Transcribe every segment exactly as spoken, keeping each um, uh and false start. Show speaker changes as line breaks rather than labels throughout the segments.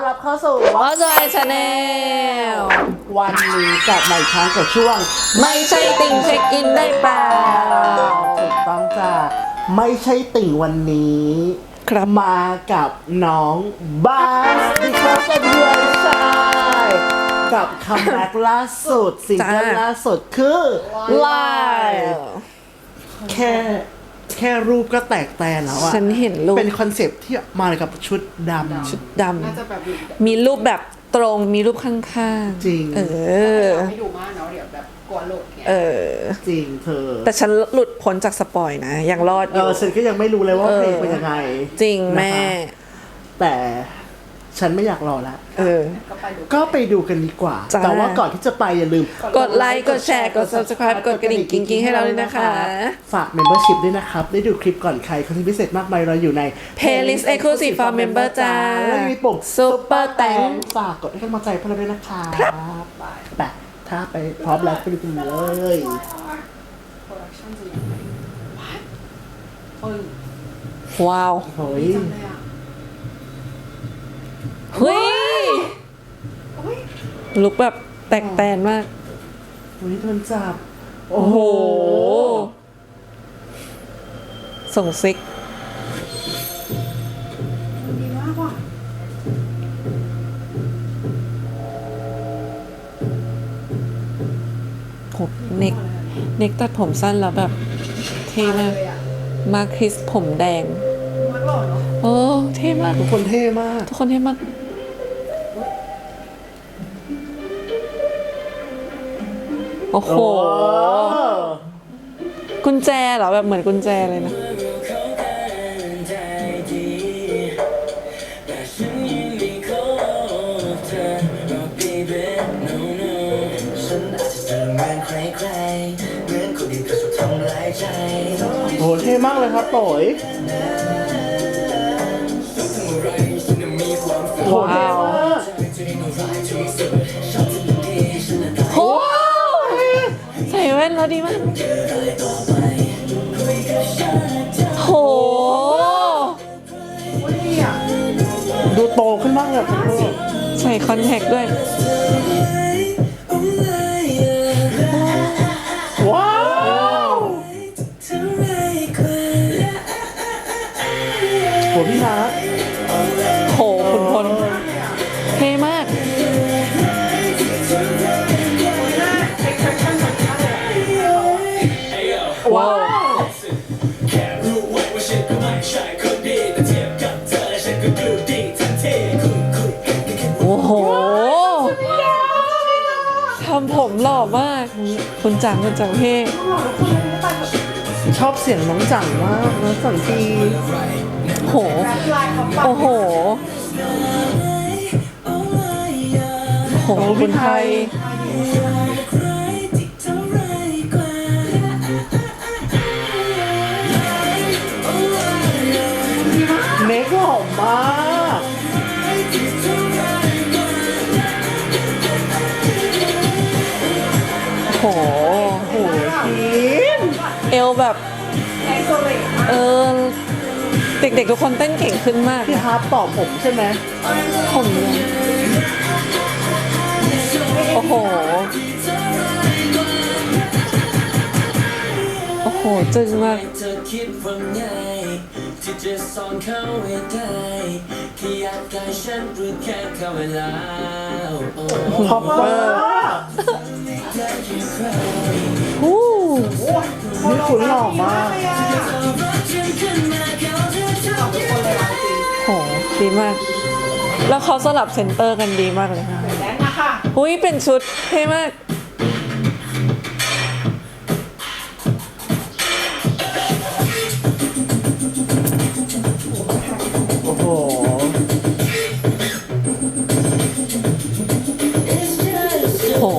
รับเข้าสู่
What's My Channel
วันนี้กลับมาอีกครั้งกับช่วง
ไม่ใช่ติ่งเช็คอินได้เปล่า
ถูกต้องจ้ะไม่ใช่ติ่งวันนี้ครับมากับน้องบาสดิคอสเดือนชายกับคัมแบ็กล่าสุดซิงเกิลล่าสุดคือ
Live
แค่แค่รูปก็แตกแตนแล้วอะ
ฉันเห็นรูป
เป็นคอนเซปต์ที่มากับชุดดำ
ชุดดำมีรูปแบบตรงมีรูปข้างๆ
จริง
เออ
ไม่ดูมากเนาะเดี๋ยวแบบกลัวหลุดเนี่ย
เออ
จริงเธอ
แต่ฉันหลุดพ้นจากสปอยนะ ยังรอดอ
เอยู่ อฉันก็ยังไม่รู้เลยว่า
เออ
เพลงเป็นยังไง
จริงแม่
นะคะแต่ฉันไม่อยากรอละ
เออ
ก็ไปดู
ก็ไปดูกันดีกว่า
จ้า
แต่ว่าก่อนที่จะไปอย่าลืม
กดไลค์กดแชร์กด Subscribe กดกระดิ่งกิ๊งๆให้เราด้วยนะคะ
ฝาก Membership ด้วยนะครับ ได้ดูคลิปก่อนใครคอนเทนต์พิเศษมากมายเราอยู่ใน
Playlist Exclusive for Member จ้า
แล้วมีปุ่ม
Super Thanks
ฝากกดให้กำลังใจพวกเราด้วยนะคะไปถ้าไปพร้อมแล้วไปดูกันเลย
โปรดักชั่นจะยังไงเฮ้ย
ว้าว
เฮ้ย
จำเลยอ่ะ
เฮ้ย
เฮ้ย
ลุกแบบแตกแตนมาก
เฮ้ยโดนจับ
โอ้โห ส่งซิก
ดีมากว่ะ
โหเน็ก เน็กตัดผมสั้นแล้วแบบเท่มาก
เลยอ่ะ
มาคริสผมแดง
มากหล่อเนาะ
โอ้ เท่มาก
ทุกคนเท่มาก
ทุกคนเท่มาก โอ้โห กุญแจเหรอ แบบเหมือนกุญแจเลยนะ
โอ้เท่มากเลยครับโตยว้าว
โห ใส่แว่นแล้วดีมาก โห
ดูโตขึ้นมากเลยครับ
ใส่คอนแทคด้วย
ว้าว โหพี่นัท
โหขุนพลเท่มาก ว้าว โอ้โห ทำผมหล่อมาก คุณจังคุณจังเท่
ชอบเสียงน้องจังมากน้องจังที
โห โอ้โห โห คุณไทย
เน็กหล่อมาก
โห
โหทีม
เอวแบบ
ไอโซเลต
เออ เด็กๆทุกคนเต้นเก่งขึ้นมาก
พี่
นะ
ฮาร์ปต่อผมใช่ไหม
ผมเนี่ยโอ้โห โอ้โห จึงมาก
เธอคิดว่าไงที่จะสอนเขาให้ได้แค่อยากกายฉันเพื่อแค่เข้าเวลาโอ้
พอปเปอร์
ฮู้
นี่คุณหล่อมาก
โห ดีมาก แล้วเขาสลับเซนเตอร์กันดีมากเลยค่ะ
แดนนะค่ะ
หุ้ย เป็นชุดเท่มาก
โอ้โห
โห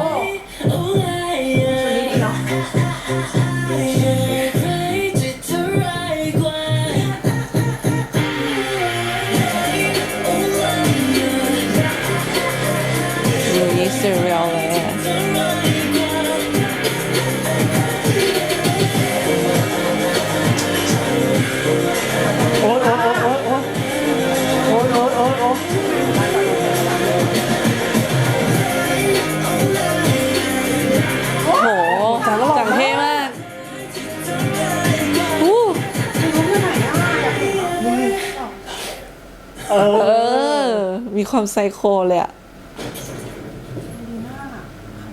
ลุยซีเรียลเลยอะ
โอ๊ยโอ๊ยโอ๊ยโอ๊ยโอ๊ยโอ๊ยโอ๊ยโอ๊ย
ความไซโคเลยอะ
ดีมากอ่ะ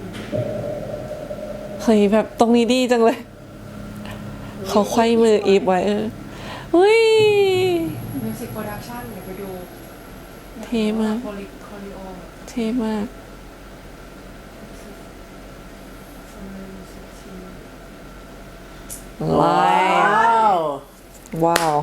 เฮ้ยแบบตรงนี้ดีจังเลย เขาไขว้มืออีฟไว้เอออุ้ย
มิวสิกโปรดักชั่นเดี๋ยวไปดู
เท่มาก
โคลิโคลิโอ
เท่มาก ว้า
ว้าว ว
ว้าว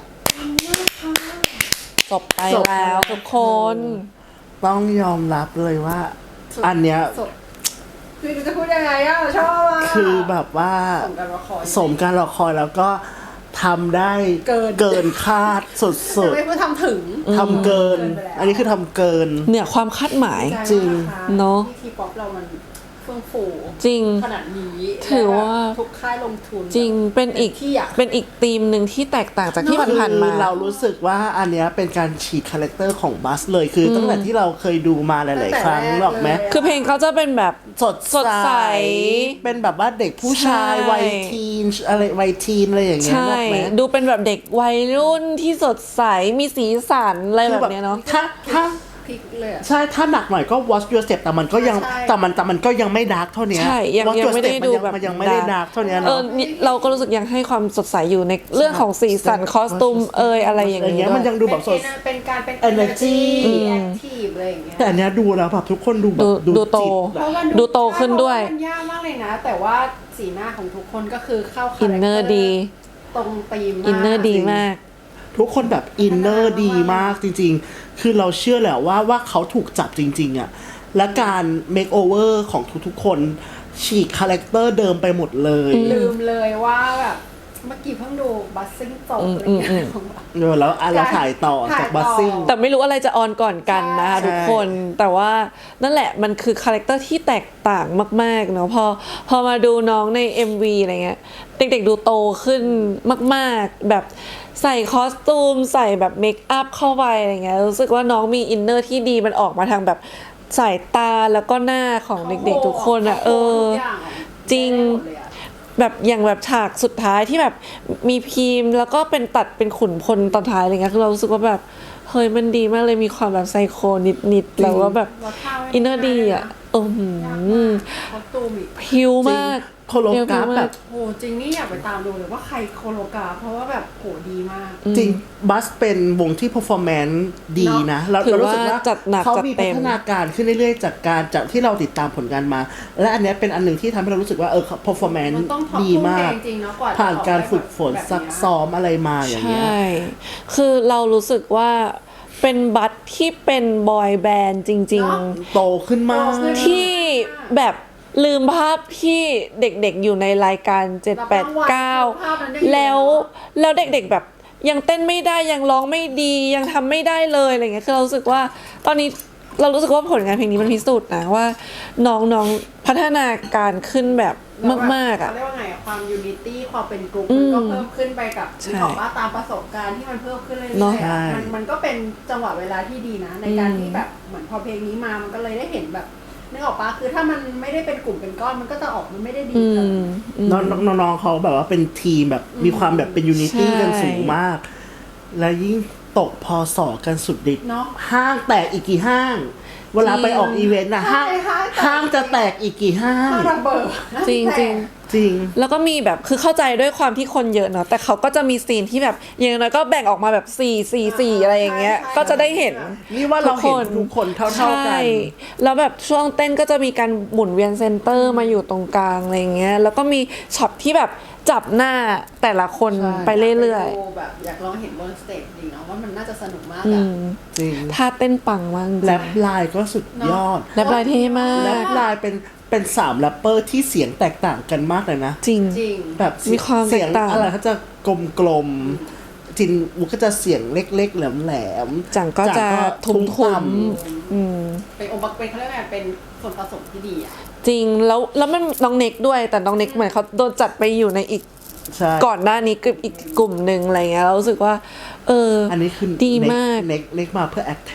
จบไป
จบ
แล้ว
แล้ว
ทุกคน
ต้องยอมรับเลยว่า อันเนี้ย
สดคือจะพูดยังไงอ่ะชอบอ่ะ
คือแบบว่า
สมกันรอคอย
สมการรอคอยแล้วก็ทำได้
เกิน
เกินคาดสุด
ไม่พูดทำถึง
ๆทำเกิน
เกินไปแล้ว
อันนี้คือทำเกิน
เหนือความคาดหมาย
จริง
เนอะ
ที่ทีป๊อปเรามันเฟื่องฟู
จริง
ขนาดนี้
ถือว่า
และทุกค่ายลงทุน
จริงเป็นอีก
ที่อยาก
เป็นอีกธีมหนึ่งที่แตกต่างจากที่
เนอะ
ผ่านๆมา
คือเรารู้สึกว่าอันเนี้ยเป็นการฉีกคาแรคเตอร์ของบัสเลยคือตั้งแต่ที่เราเคยดูมาหลาย ๆ ครั้งหรอกไหม
คือเพลงเขาจะเป็นแบบ
สด
สดใส
เป็นแบบว่าเด็กผู้ชาย
ใช่
วัยทีนอะไรวัยทีนอะไรอย่างเงี้ย
ใช่
หรอกไหม
ดูเป็นแบบเด็กวัยรุ่นที่สดใสมีสีสันอะไร
คื
แบ
อบ
เนี้ยเนาะ
ถ้าถ้า
พลิกเลยอะ
ใช่ถ้าหนักหน่อยก็ watch your step แต่มันก็ยัง
ใช่
แต่มันแต่มันก็ยังไม่ดาร์กเท่านี้
ใช่ยัง
Watch
ยัง
Your
ไม่ได้
Step
ดู
มันยัง
แบบ
มันยังไม่ได้ดาร์กเท่านี้
เอ
เนาะ
อนี่เราก็รู้สึกยังให้ความสดใสอยู่ในเรื่องของสีสันคอสตูมเอยอะไรอย่าง
อย่างเงี้
เงี้
ย
ย
มันยังดูแบบสด
เป็นเป็นการเป็น
energy
active อะไรอย่างเงี้ย
แต่อันเนี้ยดูแล้วแบบทุกคนดูแบบ
ดูดูโต
จิต
เพราะว่า
ดูโตขึ้นด้วย
เพราะามันยากมากเลยนะ แต่ว่าสีหน้าของทุกคนก็คือเข้า
อินเนอร์ดี
ตรงธีมมาก
อินเนอร์ดีมาก
ทุกคนแบบอินเนอร์ดีมากจริงๆ คือเราเชื่อแหละว่าว่าเขาถูกจับจริงๆอะและการเมคโอเวอร์ของทุกๆคนฉีกคาแรคเตอร์เดิมไปหมดเลย
ลืมเลยว่าแบบเมื่อกี้เพิ่งดูบัสซิ่งจบอะไรอย่างเงี้ยของแบบ
เออแล้วอ่ะเราถ่ายต่อ
ถ่าย
จาก
ต่อ
บัสซิ่ง
แต่ไม่รู้อะไรจะออนก่อนกันนะคะ
ใช่
ทุกคนแต่ว่านั่นแหละมันคือคาแรคเตอร์ที่แตกต่างมากๆเนาะพอพอมาดูน้องใน เอ็ม วี อะไรเงี้ยเด็กๆดูโตขึ้นมากๆแบบใส่คอสตูมใส่แบบเมคอัพเข้าไปอะไรเงี้ยรู้สึกว่าน้องมีอินเนอร์ที่ดีมันออกมาทางแบบสายตาแล้วก็หน้าของเด็กๆทุกคนอ่ะเออ
ทุกอย่างอะ
จริง
ได้หมดเลยอะ
แบบอย่างแบบฉากสุดท้ายที่แบบมีพีมแล้วก็เป็นตัดเป็นขุนพลตอนท้ายอะไรเงี้ยคือเรารู้สึกว่าแบบเฮ้ยมันดีมากเลยมีความแบบไซโคนิดๆแล้วว่าแบบ
แล้วท่าไม่
อินเนอร์ดีอ่ะเออหือ
คอสตูมอีก
พิวมาก
โคโลกราฟแบบ
โหจริงนี่อยากไปตามดูเลยว่าใครโคโลกราฟเพราะว่าแบบโหดีมาก
จริงบัสเป็นวงที่ performance ดีนะเรา
ถือ
เรารู้สึกว่า
ว่าจัดหนัก
เขา
จัด
มี
เต็
พั
ม
ฒนาการขึ้นเรื่อยๆ จากการจากที่เราติดตามผลงานมา และอันเนี้ยเป็นอันหนึ่งที่ทำให้เรารู้สึกว่าเออ performance
มันต้อง
ดีมาก
ทุ่มเทจริงๆเนอะกว่าจะ
ผ่านการฝึกฝน
ออกมาแบบ
ซักซ้อมอะไรมาอย่างเงี้ย
ใช่ คือเรารู้สึกว่าเป็นบัตที่เป็นบอยแบนด์จริง
เนอะ
โตขึ้นมาก
โตขึ้น
ๆ ที่แบบลืมภาพที่เด็กๆอยู่ในรายการเจ็ด แปด เก้า
ภาพนั้นได้อยู่
แล้วแล้วเด็กๆแบบยังเต้นไม่ได้ยังร้องไม่ดียังทำไม่ได้เลยอะไรเงี้ยคือเรารู้สึกว่าตอนนี้เรารู้สึกว่าผลงานเพลงนี้มันพิสูจน์นะว่าน้องๆพัฒนาการขึ้นแบบมากๆอ่ะ
เขาเรียกว่าไงอะความยูนิตี้ความเป็นกลุ่ม
อื
มัน
ม
ก็เพิ่มขึ้นไปกับ
ใช่
ที่บอกว่าตามประสบการณ์ที่มันเพิ่มขึ้นเรื่อย
เนอะ
ๆ
ใช่
อะมันมันก็เป็นจังหวะเวลาที่ดีนะ ในการ
อืม
ที่แบบเหมือนพอเพลงนี้มามันก็เลยได้เห็นแบบนึกออกปะคือถ้ามันไม่ได้เป็นกลุ่มเป็นก้อนมันก็จะออกมันไม่ได้ดี
อื
ขนาด
ม
นั้น
อืม
น้องน้องๆเขาแบบว่าเป็นทีมแบบมีความแบบเป็นยูนิตี้
ใช่
กันสูงมาก และยิ่งตกพอสอกันสุดฤทธิ์
เนาะ
ห้างแตกอีกกี่ห้าง เวลาไปออกอีเวนต์นะห้าง
ใช่ห้างแตก
ห้างจะแตกอีกกี่ห้าง
ถ้าระเบิด
จริงจริง
จริง
แล้วก็มีแบบคือเข้าใจด้วยความที่คนเยอะเนาะแต่เขาก็จะมีซีนที่แบบอย่างน้อยก็แบ่งออกมาแบบสี่สี่สี่อะไรอย่างเงี้ยก็จะได้เห็น
นี่ว่าเราเห็นทุกคนเท่าๆกัน
ใช่แล้วแบบช่วงเต้นก็จะมีการหมุนเวียนเซนเตอร์มาอยู่ตรงกลางอะไรอย่างเงี้ยแล้วก็มีช็อตที่แบบจับหน้าแต่ละคน
ใช่
ไปเรื่อย
ดูแบบอยากลองเห็นบนสเตจดีเนาะว่ามันน่าจะสนุกมาก
ๆอื
อะ
ม
จริง
ท่าเต้นปังมากจริง
แรปลายก็สุดยอด
แรปลายเท่มา
แร
ก
ปลายเป็นเป็นสามแรปเปอร์ที่เสียงแตกต่างกันมากเลยนะ
จริง
จริง
แบบ
มีความ
เสียง
แตกต่าง
อะไรเขาจะกลมๆจินวุกก็จะเสียงเล็กๆแหลมๆ
จังก็จะทุ้ม
ต่ำ
ๆอืม
เป็นองค์ประกอบเป็นเขาเรียกว่าไงเป็นส่วนผสมที่ดีอะ
จริงแล้วแล้วมันน้องเน็กด้วยแต่น้องเน็กเหมือนเขาโดนจัดไปอยู่ในอีก
ใช่
ก่อนหน้านี้กับอีกกลุ่มหนึ่งอะไรเงี้ยเรารู้สึกว่า เออ
อันนี้คือ
ดีมาก
เน็กเน็กมาเพื่อแอคแท็ก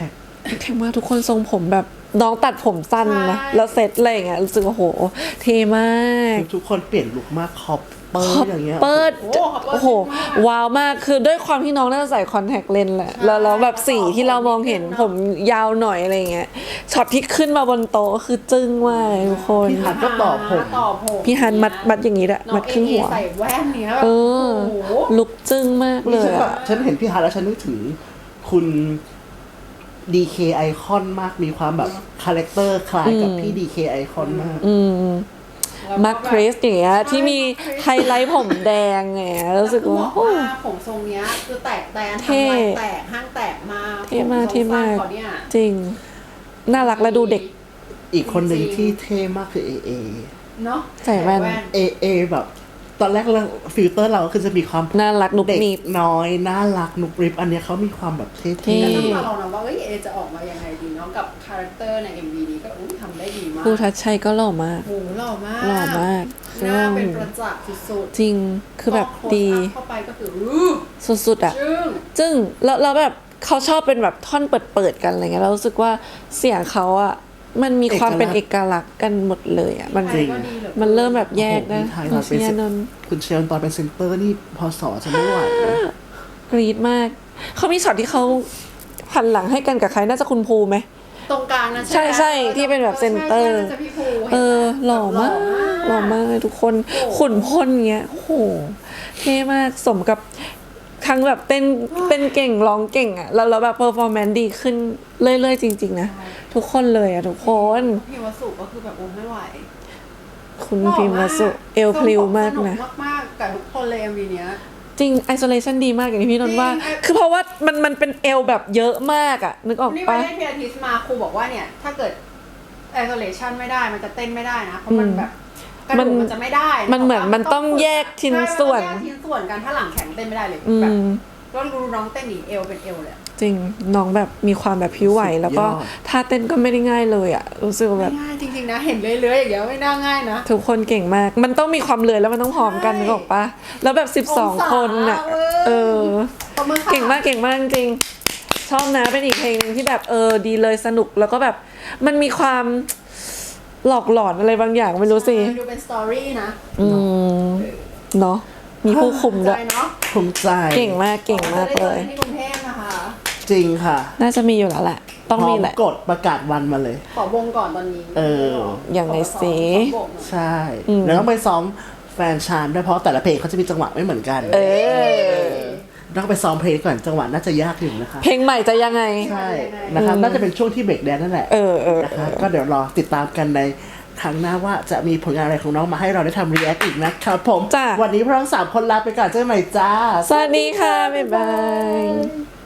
เท่มากทุกคนทรงผมแบบน้องตัดผมสั้นนะ
ใช่
แล้วเซ็ตอะไรอย่างเงี้ยรู้สึกว่าโหเท่มาก
ทุกคนเปลี่ยนลุคมากคอปเปอร์อย่างเงี้ย
เปิด
โอ้โห
โอ้โห ว้าวมากคือด้วยความที่น้องน่าจะใส่คอนแทคเลนส์แหละ แล้วแล้วแบบสีที่เรามองเห็นผมยาวหน่อยอะไรเงี้ยช็อตที่ขึ้นมาบนโต๊ะก็คือจึ้งมากเลยทุกคน
พี่ฮันก็ต่อผม
ต่อผม
พี่ฮันมัดมัดอย่างนี้แหละ
น้อง
มัดครึ่งหัว
เอใส่แว่นเนี้ยแบบ
เออ
โอ้โห
ลุกจึ้งมากเล
นี่ฉั
ย
นแบ
อะ
บฉันเห็นพี่ฮันแล้วฉันนึกถึงคุณ ดี เค ไอคอนมากมีความแบบคาแรคเตอร์คล้ายกับพี่ ดี เค ไอคอนมาก
อืม
แล้วก็
มาร์คคริสอย่างเงี้ย
ใช่
ที่มี
มาร์คคริส
ไฮไลท์ผมแดงไงรู้สึก
คือ
ว่า
บอก
โอ้
ว่าผมทรงเนี้ยคือแตกแตน
เท่
ทำลายแตกห้างแตกมา
เท่มาก
ผทรง
เท่มาก
สั้นเขาเนี่ย
จริง น่ารักและดูเด็ก
อีกคนหนึ่งที่เท่มากคือเอเอ
เนาะ
ใส่แว่น
เอเอแบบตอนแรกเราฟิลเตอร์เราคือจะมีความ
น่ารักนุบ
เด็ก
หนีบ
น้อยน่ารักนุบริบอันเนี้ยเขามีความแบบเท่
เท่
แล้วก็
ๆ
มาลองนะว่าเอ้ยเอจะออกมายังไงดีเนาะกับคาแรคเตอร์ใน เอ็ม วี นี้ก็อุ้ยทำได้ดีมาก
ครูทัชชัยก็หล่อมาก
โอ้โหหล่อมาก
หล่อมาก
หน้าเป็นประจักษ์สุด
จริงคือแบบ
พ
ดี
close up เข้าไปก็คืออื้อ
สุดๆอ่ะ
จึ้ง
จึ้งแล้วแล้วแบบเขาชอบเป็นแบบท่อนเปิดๆกันอะไรเงี้ยเรารู้สึกว่าเสียงเขาอ่ะมันมีความเป็นเอกลักษณ์กันหมดเลยอ่ะมัน
ไทยก็ดีหลือกิ
มันเริ่มแบบแยกนะ
โอ้โหพี่ไทยตอนเป็น
เชียร์นนท์
คุณเชียร์ตอนเป็นเซนเตอร์นี่พอสอจะไม่ไหวนะ
กรี๊ดมาก เขามีช็อตที่เขาหันหลังให้กันกับใครน่าจะคุณภูไหม
ตรงกลางนะ
ใช่ใช่ที่เป็นแบบเซ็นเตอร์
ใช่ใช่น่าจะพี่ภู
เออ
ห็นไหม
หล่อมากหล่อมากเลยทุกคน
โอ้โห
ขุนพลเงี้ยโอ้โหเท่มากสมกับทั้งแบบเต้นเต้นเก่งร้องเก่งอ่ะแล้วแล้วแบบเพอร์ฟอร์แมนซ์ดีขึ้นเรื่อยๆจริงๆนะทุกคนเลยอ่ะทุกคน
พี่วสุก็คือแบบโอ้ไม่ไหว
คุณพิมพ์วสุเอลพลิวมากนะ
สนุกมากๆกับทุกคนเลย เอ็ม วี เนี้ย
จริง isolation ดีมากอย่างที่พี่นนท์ว่า
จริง
คือเพราะว่ามันมันเป็นเอลแบบเยอะมากอ่ะ นึกออก
นี่ไป
ปะ
เล่นพิลาทิสมาครูบอกว่าเนี่ย ถ้าเกิด isolation ไม่ได้มันจะเต้นไม่ได้นะ เพราะมันแบบกระ
มั
ดู
น
กมันจะไม่ได้
มันเหมือนมันต้องแยกชิ้นส่วน
ใช่มัต้องแยกชิ้นส่วนกันถ้าหลังแข็งเต้นไม่ได้เลย
อื
แบบ
ม
ก็รู้น้องเต้นหนีเอวเป็นเอวเลยอะ
จริงน้องแบบมีความแบบผิวไหว
สุดยอด
แล้วก็ท่าเต้นก็ไม่ได้ง่ายเลยอ่ะ รู้สึกว่าแบ
ไม่
บ
ง่ายจริงๆนะ เห็นเลื้อยๆอย่างเงี้ยไม่น่าง่ายนะ
ทุกคนเก่งมาก มันต้องมีความเลยแล้วมันต้องพร้อมกัน
ใช่
นึกออกปะแล้วแบบสิบสอง
องศา
คนอ่ะ
เว้ย
เออ
ปรบมือค่ะ
เก่งมากเก่งมากจริงชอบนะเป็นอีกเพลงหนึงที่แบบเออดีเลยสนุกแล้วก็แบบมันมีความหลอกหลอนอะไรบางอย่างไม่รู้สิ
ดูเป็นสตอรี่นะ
อืมเนาะมีผู้คุมด้
ใจ
วย
เนาะ
ภูมิใจ
เก่งมากเก่งมากเลย
จะได้เจอที่กรุงเทพนะคะ
จริงค่ะ
น่าจะมีอยู่แล้วแหละ ต้องมีแหละ
พร้กดประกาศวันมาเลย
ขอวงก่อนตอนนี้
เออ
อย่างไรสิ
ขอวงหน่อย
ใช่แล้วต้องไปซ้อมแฟนชานด้วยเพราะแต่ละเพลงเขาจะมีจังหวะไม่เหมือนกัน
เออ
ต้องไปซ้อมเพลงก่อนจังหวะน่าจะยากอยู่นะคะ
เพลงใหม่จะยังไง
ใช่นะครับน่าจะเป็นช่วงที่เบรกแดนนั่นแหละ
เออเออ
นะคะก็เดี๋ยวรอติดตามกันในครั้งหน้าว่าจะมีผลงานอะไรของน้องมาให้เราได้ทำรีแอคอีกนะครับผม
จ้ะ
วันนี้พวกเราทั้งสามคนลาไปก่อนเจอกันใหม่จ้า
สวัสดีค่ะ บ๊ายบาย